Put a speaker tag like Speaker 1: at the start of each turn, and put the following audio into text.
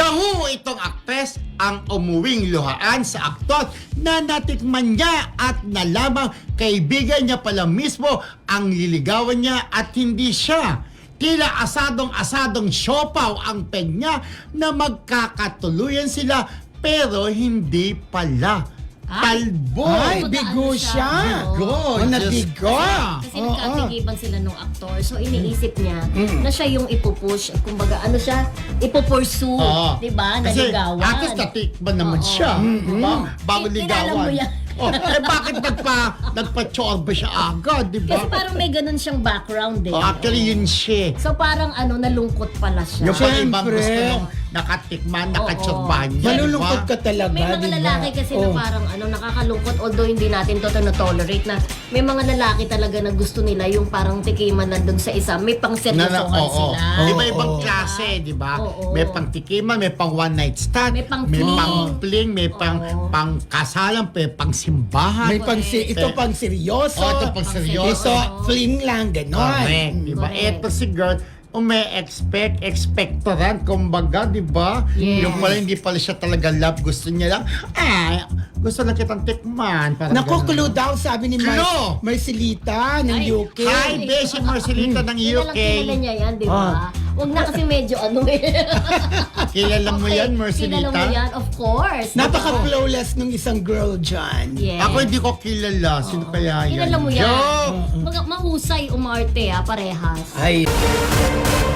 Speaker 1: Daho itong aktres ang umuwing luhaan sa aktor na natikman niya at nalamang kaibigan niya pala mismo ang liligawan niya at hindi siya. Tila asadong-asadong siopaw ang peg niya na magkakatuluyan sila pero hindi pala. Talbo!
Speaker 2: Ay,
Speaker 3: Ano
Speaker 2: bigo siya.
Speaker 1: Bigo!
Speaker 2: Oh, nabigo.
Speaker 3: Kasi nagkatigiban sila nung aktor. So iniisip niya na siya yung ipupush. Kumbaga, ano siya? Ipupursue. Diba?
Speaker 1: Kasi
Speaker 3: Naligawan.
Speaker 1: atos natikman naman siya. Diba? Bago
Speaker 3: Kilala mo
Speaker 1: ligawan.
Speaker 3: yan.
Speaker 1: Bakit nagpa-chorba siya agad, diba?
Speaker 3: Kasi parang may ganun siyang background eh.
Speaker 1: Actually, yun siya.
Speaker 3: So parang nalungkot pala siya.
Speaker 1: Yung pag ibang
Speaker 2: Siyempre.
Speaker 1: gusto nung nakatikman, nakachorbahan niya.
Speaker 2: Malulungkot
Speaker 1: diba?
Speaker 2: ka talaga,
Speaker 3: May mga
Speaker 2: diba?
Speaker 3: lalaki kasi na parang nakakalungkot, although hindi natin to na-tolerate na may mga lalaki talaga na gusto nila yung parang tikiman nandun sa isa, may pang seryosohan sila.
Speaker 1: Iba-ibang klase, di ba?
Speaker 3: Oo.
Speaker 1: May pang tikiman, may pang one night stand,
Speaker 3: May pang
Speaker 1: fling, may pang kasalan, may pang simbahan.
Speaker 2: May ito pang seryoso.
Speaker 1: Ito pang seryoso.
Speaker 2: Ito, fling lang, ganon.
Speaker 1: Correct, di ba?
Speaker 3: Correct.
Speaker 1: Ito si girl, expectorant, kumbaga, di ba?
Speaker 3: Yes.
Speaker 1: Yung pala, hindi pala siya talaga love. Gusto niya lang, gusto lang kitang tikman. Parang
Speaker 2: Naku,
Speaker 1: ganun.
Speaker 2: clue daw, sabi ni
Speaker 1: Clue!
Speaker 2: Marcelita ng
Speaker 3: Ay,
Speaker 2: UK.
Speaker 1: Hi, Beshi Marcelita ng UK.
Speaker 3: Kilala niya yan, di ba? Huwag na kasi medyo
Speaker 1: Kilala mo yan,
Speaker 3: Kilala mo
Speaker 1: Marcelita?
Speaker 3: yan, of course.
Speaker 2: Napaka-flawless nung isang girl dyan.
Speaker 3: Yes.
Speaker 1: Ako hindi ko kilala. Sino kaya yan?
Speaker 3: Kilala mo yan.
Speaker 1: Joke!
Speaker 3: Mahusay umarte parehas.
Speaker 2: Ay.